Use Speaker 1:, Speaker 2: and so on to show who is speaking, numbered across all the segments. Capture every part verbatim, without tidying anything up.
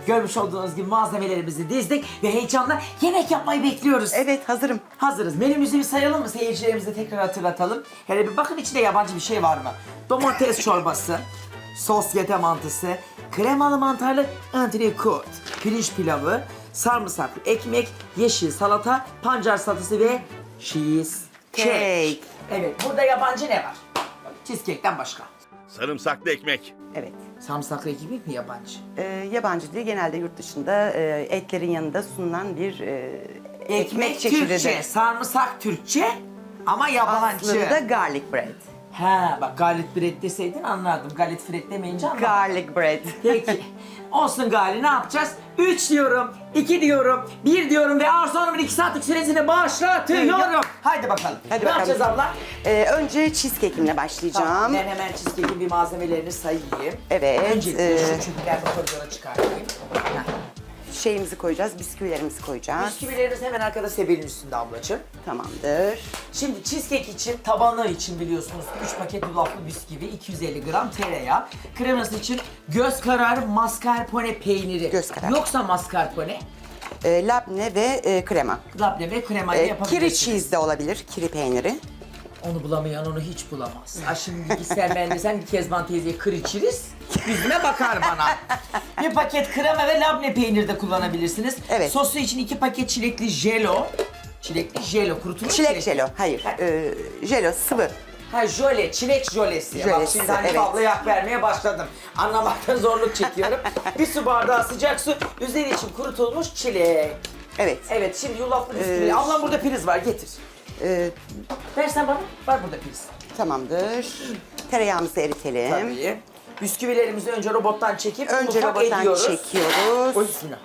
Speaker 1: Görmüş olduğunuz gibi malzemelerimizi dizdik ve heyecanla yemek yapmayı bekliyoruz.
Speaker 2: Evet, hazırım.
Speaker 1: Hazırız. Menümüzü bir sayalım mı? Seyircilerimize tekrar hatırlatalım. Hele bir bakın içinde yabancı bir şey var mı? Domates çorbası, sosyete mantısı, kremalı mantarlı antrikot, pirinç pilavı, sarımsaklı ekmek, yeşil salata, pancar salatası ve cheese cake.
Speaker 2: Cake.
Speaker 1: Evet, burada yabancı ne var? Cheesecake'ten başka.
Speaker 3: Sarımsaklı ekmek.
Speaker 2: Evet.
Speaker 1: Sarımsaklı ekmek mi yabancı?
Speaker 2: Ee, yabancı değil, genelde yurt dışında e, etlerin yanında sunulan bir e, ekmek, çeşididir.
Speaker 1: Türkçe, sarımsak Türkçe ama yabancı.
Speaker 2: Aslında garlic bread.
Speaker 1: Ha, bak garlic bread deseydin anlardım. Garlic bread demeyince anlamadım.
Speaker 2: Garlic bread.
Speaker 1: Peki. Olsun Gali, ne yapacağız? Üç diyorum, iki diyorum, bir diyorum ve Arzu Hanım'ın iki saatlik süresini başlatıyorum. Haydi bakalım.
Speaker 2: Hadi
Speaker 1: ne
Speaker 2: bakalım.
Speaker 1: yapacağız abla?
Speaker 2: Ee, önce cheesecake'imle başlayacağım.
Speaker 1: Tamam, ben hemen cheesecake'in bir malzemelerini sayayım.
Speaker 2: Evet,
Speaker 1: Öncelikle
Speaker 2: e-
Speaker 1: şu çöpüklerimi koridora çıkartayım. Heh.
Speaker 2: Şeyimizi koyacağız, bisküvilerimizi koyacağız.
Speaker 1: Bisküvilerimiz hemen arkada sebelin üstünde ablacığım.
Speaker 2: Tamamdır.
Speaker 1: Şimdi cheesecake için, tabanı için biliyorsunuz üç paket yulaflı bisküvi, iki yüz elli gram tereyağı. Kreması için göz kararı mascarpone peyniri.
Speaker 2: Göz kararı.
Speaker 1: Yoksa mascarpone,
Speaker 2: Ee, labne ve e, krema.
Speaker 1: labne ve kremayla
Speaker 2: Ee,
Speaker 1: yapabilirsiniz.
Speaker 2: kiri cheese de olabilir, kiri peyniri.
Speaker 1: Onu bulamayan onu hiç bulamaz. Ha şimdi ister ben desem ki Kezban teyzeye kır içiriz, yüzüme bakar bana. Bir paket krema ve labne peyniri de kullanabilirsiniz.
Speaker 2: Evet.
Speaker 1: Sosu için iki paket çilekli jelo. Çilekli jelo, kurutulmuş
Speaker 2: Çilek jelo, hayır.
Speaker 1: Ha,
Speaker 2: Ee, jelo sıvı.
Speaker 1: ha jöle, çilek jölesi. Bak
Speaker 2: Jölesi,
Speaker 1: şimdi hani
Speaker 2: evet.
Speaker 1: ablaya hak vermeye başladım. Anlamakta zorluk çekiyorum. Bir su bardağı sıcak su, üzeri için kurutulmuş çilek.
Speaker 2: Evet.
Speaker 1: Evet, şimdi yulaflı bisküvi.
Speaker 2: Ee,
Speaker 1: Ablam burada priz var, getir.
Speaker 2: Ee,
Speaker 1: Versen bana, var burada priz.
Speaker 2: tamamdır. Tereyağımızı eritelim.
Speaker 1: Tabii. Bisküvilerimizi önce robottan çekip
Speaker 2: Önce
Speaker 1: ufak
Speaker 2: robottan
Speaker 1: ediyoruz.
Speaker 2: çekiyoruz.
Speaker 1: Oy bismillah.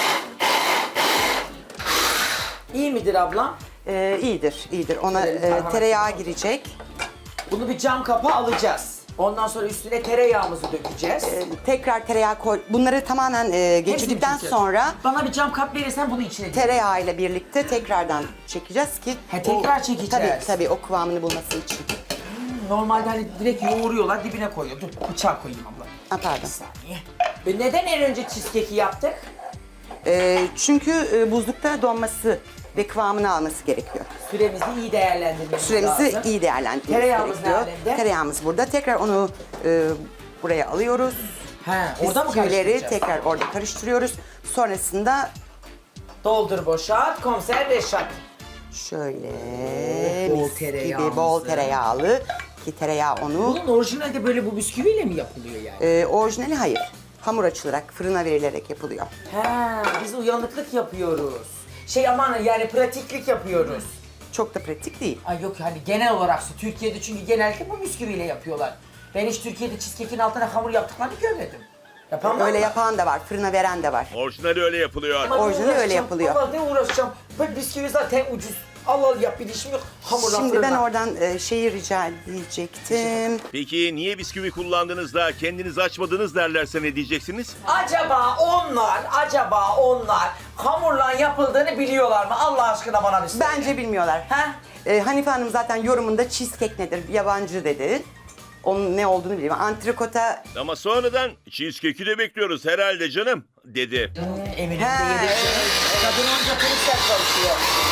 Speaker 1: İyi midir ablam?
Speaker 2: Ee, iyidir, iyidir. Ona
Speaker 1: Şöyle bir
Speaker 2: e,
Speaker 1: parmak
Speaker 2: tereyağı
Speaker 1: atayım.
Speaker 2: girecek.
Speaker 1: Bunu bir cam kapa alacağız. Ondan sonra üstüne tereyağımızı dökeceğiz.
Speaker 2: Ee, tekrar tereyağı koy. Bunları tamamen e, geçirdikten
Speaker 1: çekeceğiz.
Speaker 2: sonra
Speaker 1: Bana bir cam kap verirsen bunu içine dökeceğiz.
Speaker 2: tereyağı ile birlikte tekrardan çekeceğiz ki
Speaker 1: Ha, tekrar
Speaker 2: o-
Speaker 1: çekeceğiz.
Speaker 2: Tabii tabii o kıvamını bulması için.
Speaker 1: Normalde hani direkt yoğuruyorlar, dibine koyuyor. Dur bıçak koyayım abla.
Speaker 2: Ha, pardon.
Speaker 1: Bir saniye. Ve neden en önce cheesecake'i yaptık?
Speaker 2: Ee, çünkü e, buzlukta donması ve kıvamını alması gerekiyor.
Speaker 1: Süremizi iyi değerlendirmemiz
Speaker 2: Süremizi
Speaker 1: lazım.
Speaker 2: iyi değerlendirmemiz
Speaker 1: Tereyağımız
Speaker 2: gerekiyor.
Speaker 1: ne alemde?
Speaker 2: Tereyağımız burada. Tekrar onu e, buraya alıyoruz.
Speaker 1: He, orada mı
Speaker 2: Bisküvileri
Speaker 1: karıştıracağız?
Speaker 2: tekrar orada karıştırıyoruz. Sonrasında
Speaker 1: Doldur boşalt, komiser Reşat.
Speaker 2: şöyle
Speaker 1: Bol
Speaker 2: mis
Speaker 1: tereyağımızı.
Speaker 2: gibi bol tereyağlı ki tereyağı onu
Speaker 1: Bunun orijinalde böyle bu bisküviyle mi yapılıyor yani?
Speaker 2: e, orijinali hayır. Hamur açılarak fırına verilerek yapılıyor.
Speaker 1: He, biz uyanıklık yapıyoruz. Şey aman yani pratiklik yapıyoruz.
Speaker 2: Çok da pratik değil.
Speaker 1: Ay yok hani genel olarak Türkiye'de çünkü genellikle bu bisküviyle yapıyorlar. Ben hiç Türkiye'de cheesecake'in altına hamur yaptıklarını görmedim. Yapan var
Speaker 2: Öyle
Speaker 1: mı?
Speaker 2: yapan da var, fırına veren de var.
Speaker 3: Orijinali öyle yapılıyor.
Speaker 1: Ama ne
Speaker 2: orijinali öyle
Speaker 1: uğraşacağım?
Speaker 2: yapılıyor.
Speaker 1: Allah ne uğraşacağım? Ben bisküvi zaten ucuz. Allah Allah yap bir işim yok. Hamurla
Speaker 2: Şimdi ben
Speaker 1: fırına.
Speaker 2: oradan e, şeyi rica edecektim.
Speaker 3: Peki niye bisküvi kullandınız da kendiniz açmadınız derlerse ne diyeceksiniz?
Speaker 1: Acaba onlar, acaba onlar hamurla yapıldığını biliyorlar mı? Allah aşkına bana bir söyle.
Speaker 2: Bence bilmiyorlar.
Speaker 1: He?
Speaker 2: E, Hanife Hanım zaten yorumunda cheesecake nedir, yabancı dedi. Onun ne olduğunu biliyorum. Antrikota
Speaker 3: Ama sonradan cheesecake'i de bekliyoruz herhalde canım dedi.
Speaker 1: Eminim
Speaker 2: He,
Speaker 1: de yedik. Kadın onca polisler çalışıyor.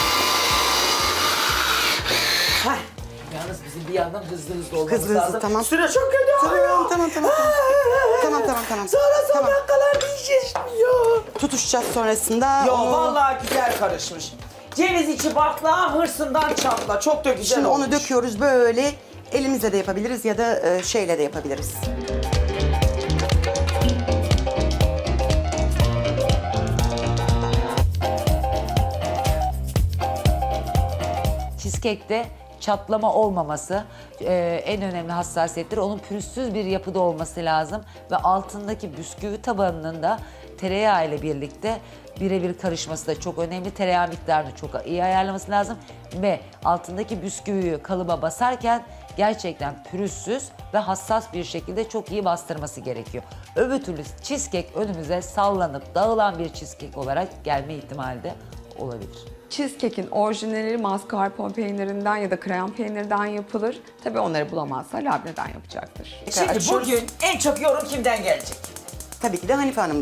Speaker 1: Hah. Yalnız bizim bir yandan hızlı hızlı olmamız
Speaker 2: Hızlı hızlı,
Speaker 1: lazım.
Speaker 2: tamam.
Speaker 1: Süre çok kötü
Speaker 2: Tamam,
Speaker 1: oluyor.
Speaker 2: tamam, tamam, tamam. Tamam, tamam, tamam.
Speaker 1: Sonra son
Speaker 2: Tamam.
Speaker 1: dakikalarda yiyeceğiz ya.
Speaker 2: tutuşacağız sonrasında.
Speaker 1: Yo
Speaker 2: onu-
Speaker 1: vallahi güzel karışmış. Ceviz içi bakla hırsından çatla. Çok da güzel
Speaker 2: Şimdi
Speaker 1: olmuş.
Speaker 2: onu döküyoruz böyle. Elimizle de yapabiliriz ya da e, şeyle de yapabiliriz.
Speaker 4: Cheesecake'de çatlama olmaması e, en önemli hassasiyettir. Onun pürüzsüz bir yapıda olması lazım ve altındaki bisküvi tabanının da tereyağı ile birlikte birebir karışması da çok önemli. Tereyağı miktarını çok iyi ayarlaması lazım ve altındaki bisküviyi kalıba basarken gerçekten pürüzsüz ve hassas bir şekilde çok iyi bastırması gerekiyor. Öbür türlü cheesecake önümüze sallanıp dağılan bir cheesecake olarak gelme ihtimali de olabilir.
Speaker 5: Cheesecake'in orijinali mascarpone peynirinden ya da krem peynirden yapılır. Tabii onları bulamazsa labneden yapacaktır.
Speaker 1: Şimdi
Speaker 2: Açıyoruz.
Speaker 1: bugün en çok yorum kimden gelecek?
Speaker 2: Tabii ki de Hanife Hanım'dan.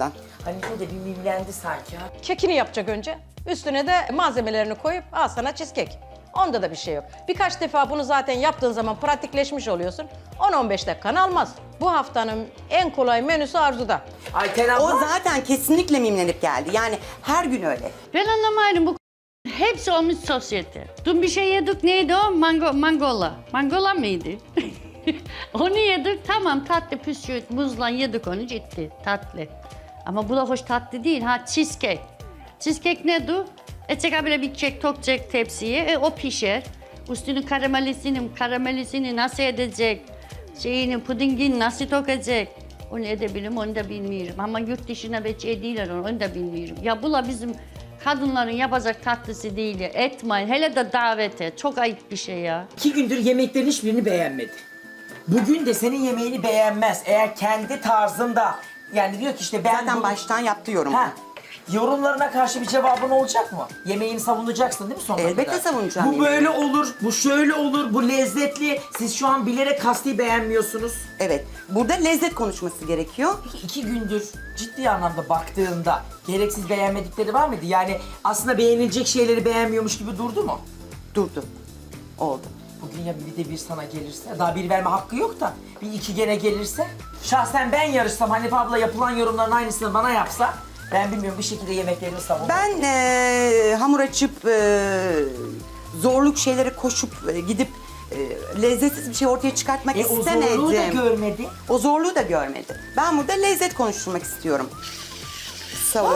Speaker 1: Hanife de bir mimlendi sanki ha.
Speaker 6: Kekini yapacak önce. Üstüne de malzemelerini koyup al sana cheesecake. Onda da bir şey yok. Birkaç defa bunu zaten yaptığın zaman pratikleşmiş oluyorsun. on on beş dakikanı almaz. Bu haftanın en kolay menüsü Arzu'da.
Speaker 1: Ayten abla.
Speaker 2: O zaten kesinlikle mimlenip geldi. Yani her gün öyle.
Speaker 7: Ben anlamadım bu hepsi olmuş sosyete. Dün bir şey yedik neydi o? Mango, mangola. Mangola mıydı? Onu yedik tamam tatlı püsküvit muzla yedik onu ciddi tatlı. Ama bu da hoş tatlı değil ha cheesecake. Cheesecake nedir? Edecek böyle bir kek tokacak tepsiye e, o pişer. Üstünü karamelisini, karamelisini nasıl edecek? Şeyini, pudingini nasıl tokacak? Onu edebilirim, onu da bilmiyorum. Ama yurt dışına beç ediyorlar onu, onu da bilmiyorum. Ya bu da bizim kadınların yapacak tatlısı değil ya. Etmeyin, hele de davete. Çok ayıp bir şey ya.
Speaker 1: İki gündür yemeklerin hiçbirini beğenmedi. Bugün de senin yemeğini beğenmez. Eğer kendi tarzında yani diyor ki işte ben
Speaker 2: Zaten
Speaker 1: bunu-
Speaker 2: baştan yaptı yorum.
Speaker 1: Ha, yorumlarına karşı bir cevabın olacak mı? Yemeğini savunacaksın değil mi sonuna
Speaker 2: Elbette
Speaker 1: kadar?
Speaker 2: savunacağım
Speaker 1: Bu
Speaker 2: yemeğimi.
Speaker 1: böyle olur, bu şöyle olur, bu lezzetli. Siz şu an bilerek kasti beğenmiyorsunuz.
Speaker 2: Evet. Burada lezzet konuşması gerekiyor.
Speaker 1: Peki iki gündür ciddi anlamda baktığında gereksiz beğenmedikleri var mıydı? Yani aslında beğenilecek şeyleri beğenmiyormuş gibi durdu mu?
Speaker 2: Durdu. Oldu.
Speaker 1: Bugün ya bir de bir sana gelirse, daha bir verme hakkı yok da bir iki gene gelirse. Şahsen ben yarışsam Hanife abla yapılan yorumların aynısını bana yapsa ben bilmiyorum bir şekilde yemeklerini savunur.
Speaker 2: Ben eee, hamur açıp eee, zorluk şeylere koşup eee, gidip eee, lezzetsiz bir şey ortaya çıkartmak
Speaker 1: E, o
Speaker 2: istemedim.
Speaker 1: zorluğu da görmedi.
Speaker 2: O zorluğu da görmedi. Ben burada lezzet konuşturmak istiyorum. Savun.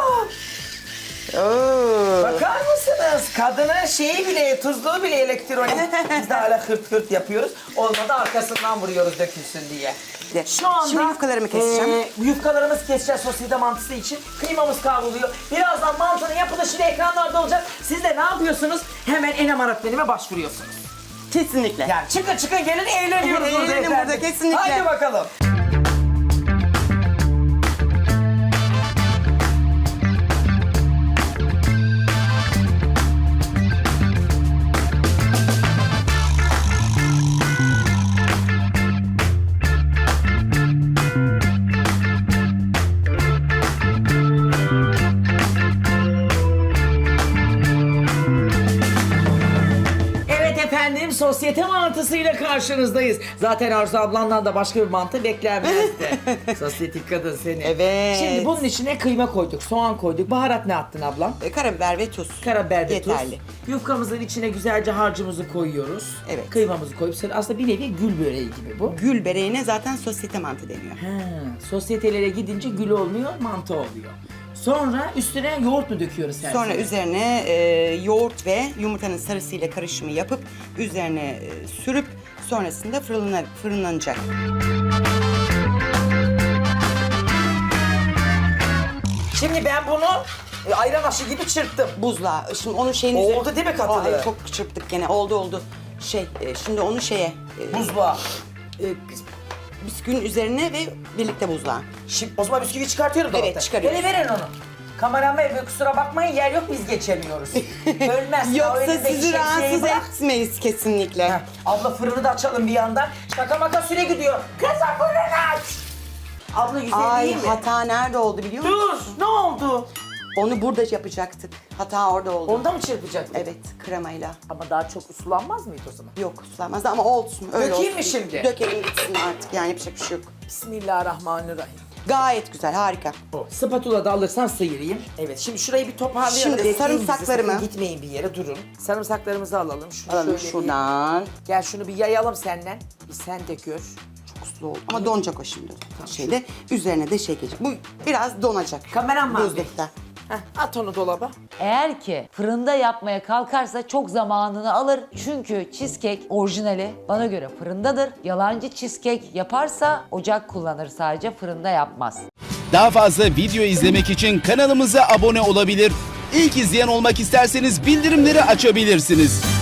Speaker 2: Oo.
Speaker 1: Bakar mısınız? Kadının şeyi bile, tuzluğu bile elektronik. Biz de hala hırt hırt yapıyoruz. Olmadı arkasından vuruyoruz dökülsün diye.
Speaker 2: De.
Speaker 1: Şu anda
Speaker 2: Şimdi yufkalarımı keseceğim.
Speaker 1: e, yufkalarımızı keseceğiz sosyete mantısı için. Kıymamız kavruluyor. Birazdan mantının yapılışı da ekranlarda olacak. Siz de ne yapıyorsunuz? Hemen Enem Aratmenime başvuruyorsunuz.
Speaker 2: Kesinlikle.
Speaker 1: Yani çıkın çıkın gelin eğleniyoruz burada
Speaker 2: Eğlenelim
Speaker 1: efendim.
Speaker 2: burada, kesinlikle.
Speaker 1: Haydi bakalım. Evet efendim, sosyete mantısıyla karşınızdayız. Zaten Arzu ablandan da başka bir mantı beklenmezdi. Sosyetik kadın seni.
Speaker 2: Evet.
Speaker 1: Şimdi bunun içine kıyma koyduk, soğan koyduk. Baharat ne attın ablam?
Speaker 2: E, karabiber ve tuz.
Speaker 1: Karabiber ve tuz.
Speaker 2: Yeterli.
Speaker 1: Yufkamızın içine güzelce harcımızı koyuyoruz.
Speaker 2: Evet.
Speaker 1: Kıymamızı koyup sonra aslında bir nevi gül böreği gibi bu.
Speaker 2: Gül bereğine zaten sosyete mantı deniyor.
Speaker 1: Ha, sosyetelere gidince gül olmuyor, mantı oluyor. Sonra üstüne yoğurt mu döküyoruz her
Speaker 2: Sonra
Speaker 1: zaman?
Speaker 2: üzerine e, yoğurt ve yumurtanın sarısıyla karışımı yapıp üzerine e, sürüp sonrasında fırına, fırınlanacak.
Speaker 1: Şimdi ben bunu e, ayran aşı gibi çırptım.
Speaker 2: Buzluğa. Şimdi onun şeyin
Speaker 1: Oldu değil mi katılı?
Speaker 2: Ay, çok çırptık gene. Oldu oldu. Şey, e, şimdi onu şeye... E,
Speaker 1: Buzluğa.
Speaker 2: e, bisküvinin üzerine ve birlikte buzluğa.
Speaker 1: Şimdi o zaman bisküvi çıkartıyorum
Speaker 2: Evet,
Speaker 1: dolaptan.
Speaker 2: çıkarıyoruz.
Speaker 1: Hele verin onu. Kameraman bey kusura bakmayın yer yok biz geçemiyoruz. Bölmez. ya,
Speaker 2: Yoksa
Speaker 1: önündeki
Speaker 2: sizi
Speaker 1: şemsiyeyi
Speaker 2: rahatsız
Speaker 1: bırak.
Speaker 2: etmeyiz kesinlikle.
Speaker 1: Heh, abla fırını da açalım bir yandan. Şaka maka süre gidiyor. Kızım fırını aç. Abla güzel
Speaker 2: Ay
Speaker 1: değil mi?
Speaker 2: hata nerede oldu biliyor musun?
Speaker 1: Dur ne oldu?
Speaker 2: Onu burada yapacaktık. Hata orada oldu.
Speaker 1: Onda mı çırpacaksın?
Speaker 2: Evet, kremayla.
Speaker 1: Ama daha çok sulanmaz mıydı o zaman?
Speaker 2: Yok sulanmaz ama olsun. Öyle
Speaker 1: Dökeyim mi
Speaker 2: olsun.
Speaker 1: şimdi?
Speaker 2: Dökelim gitsin artık yani yapacak bir şey yok.
Speaker 1: Bismillahirrahmanirrahim.
Speaker 2: Gayet güzel, harika.
Speaker 1: O. Spatula da alırsan sıyırayım. Evet şimdi şurayı bir toparlayalım.
Speaker 2: Şimdi
Speaker 1: Bekleyin bizi,
Speaker 2: sarımsaklarımı-
Speaker 1: sakın gitmeyin bir yere durun. Sarımsaklarımızı alalım. Şunu
Speaker 2: Alalım
Speaker 1: şöyle
Speaker 2: şuradan.
Speaker 1: Bir, gel şunu bir yayalım senden. Bir sen de gör.
Speaker 2: Çok sulu oldu ama donacak o şimdi. Şeyde üzerine de şey gelecek. Bu biraz donacak.
Speaker 1: Kameraman bey.
Speaker 2: Buzlukta.
Speaker 1: Heh, at onu dolaba.
Speaker 4: Eğer ki fırında yapmaya kalkarsa çok zamanını alır. Çünkü cheesecake orijinali bana göre fırındadır. Yalancı cheesecake yaparsa ocak kullanır sadece, fırında yapmaz.
Speaker 8: Daha fazla video izlemek için kanalımıza abone olabilir. İlk izleyen olmak isterseniz bildirimleri açabilirsiniz.